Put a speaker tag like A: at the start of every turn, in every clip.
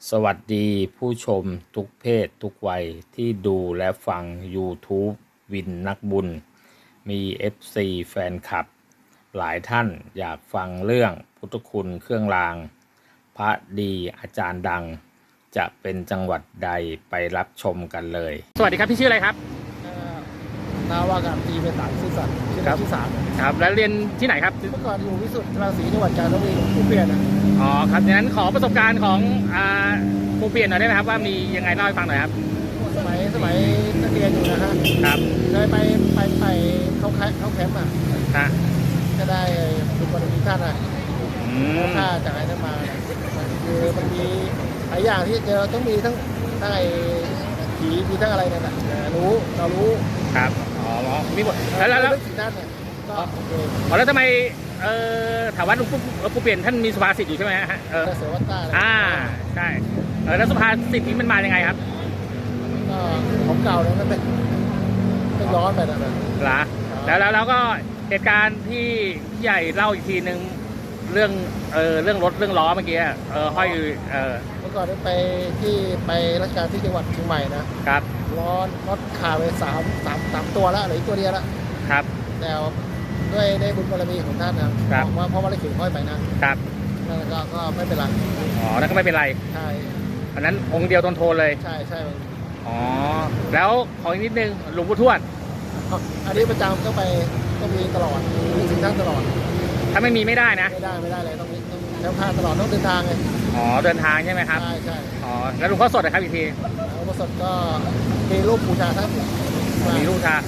A: สวัสดีผู้ชมทุกเพศทุกวัยที่ดูและฟัง YouTube วินนักบุญมี FC แฟนคลับหลายท่านอยากฟังเรื่องพุทธคุณเครื่องรางพระดีอาจารย์ดังจะเป็นจังหวัดใดไปรับชมกันเลยสวัสดีครับพี่ชื่ออะไรครับ
B: นาวากาศตรีเป็นต่างซื่อสัตย์ชื่อที่สาม
A: ครับแล้วเรียนที่ไหนครับ
B: เมื่อก่อนอยู่วิสุทธิ์ราศีจังหวัดกาญจนบุรีผู้เปลี่ยนนะ
A: อ๋อครับดังนั้นขอประสบการณ์ของครูเปลี่ยนหน่อยได้ไหมครับว่ามียังไงเล่าให้ฟังหน่อยครับ
B: สมัยนักเรียนอยู่นะฮะ
A: ครับ
B: เคยไปเขาแคมป์อ่ะก็ได้ดูบารมีท่านอ่ะค่าจากไอ้นั่นมาคือมันมีหลายอย่างที่เจอต้องมีทั้งไอ้ผีมีทั้งอะไรนั่นแหละเรารู้
A: ครับอ๋อมีหมดแล้ว
B: สิ่งนั้นเนี่ยก็โอเค
A: แล้วทำไมถามว่าหลวงปู่เปลี่ยนท่านมีสุภาษิตอยู่ใช่ไหมฮะ
B: เสือวัตตา
A: ใช่แล้วสุภาษิตนี้มันมายังไงครับ
B: ก็ของเก่าเนี่ยมันเป็นย้อนไปนั่นแหละ
A: แล้วก็เหตุการณ์ที่ใหญ่เล่าอีกทีหนึ่งเรื่องรถเรื่องล้อเมื่อกี้ห้อย
B: เมื่อก่อนไปราชการที่จังหวัดเชียงใหม่นะครับรถขาไปสามตัวแล้วเหลืออีกตัวเดียวแล้ว
A: ครับ
B: แต่ด้วยได้บุญบารมีของท่านนะครับเพราะว่าได้เขียนห้อยไปนะครับนั่นก็ไม่เป็นไร
A: อ๋อนั่นก็ไม่เป็นไร
B: ใช่
A: อันนั้นองค์เดียวโทนเลย
B: ใช่
A: อ๋อแล้วขออีกนิดนึงหลวงปู่ทวด
B: อันนี้ประจำก็มีตลอดมีสิ่งท่านตลอด
A: ถ้าไม่มีไม่ได้นะ
B: ไม่ได้เลยต้องแล้วพาตลอดต้องเดินทางไง
A: อ๋อเดินทางใช่ไหมครับ
B: ใช่
A: อ๋อแล้วหลวงพ่อสดนะครับอีกที
B: หลวงพ่อสดก็มีรูปบูชาท่าน
A: มีรูปชา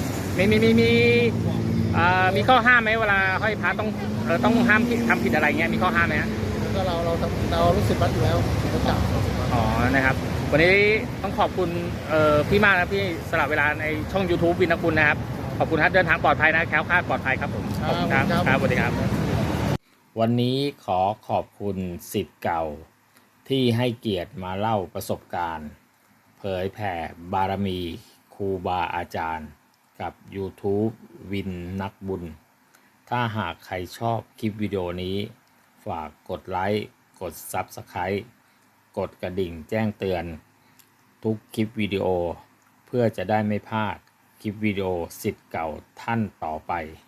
A: มีข้อห้ามไหมเวลาห้อยพระต้องห้ามทำผิดอะไรเงี้ยมีข้อห้ามไหมฮะ
B: ก็เรารู้สึกวัดอยู่แล้วรู้จัก
A: อ๋อนะครับวันนี้ต้องขอบคุณพี่มากนะพี่สละเวลาในช่อง YouTube วินนักบุญนะครับขอบคุณครับเดินทางปลอดภัยนะแคล้วคลาดปลอดภัยครับผมขอบคุณครับสวัสดีครับวันนี้ขอบคุณศิษย์เก่าที่ให้เกียรติมาเล่าประสบการณ์เผยแผ่บารมีครูบาอาจารย์กับ YouTube วินนักบุญถ้าหากใครชอบคลิปวิดีโอนี้ฝากกดไลค์กด Subscribe กดกระดิ่งแจ้งเตือนทุกคลิปวิดีโอเพื่อจะได้ไม่พลาดคลิปวิดีโอศิษย์เก่าท่านต่อไป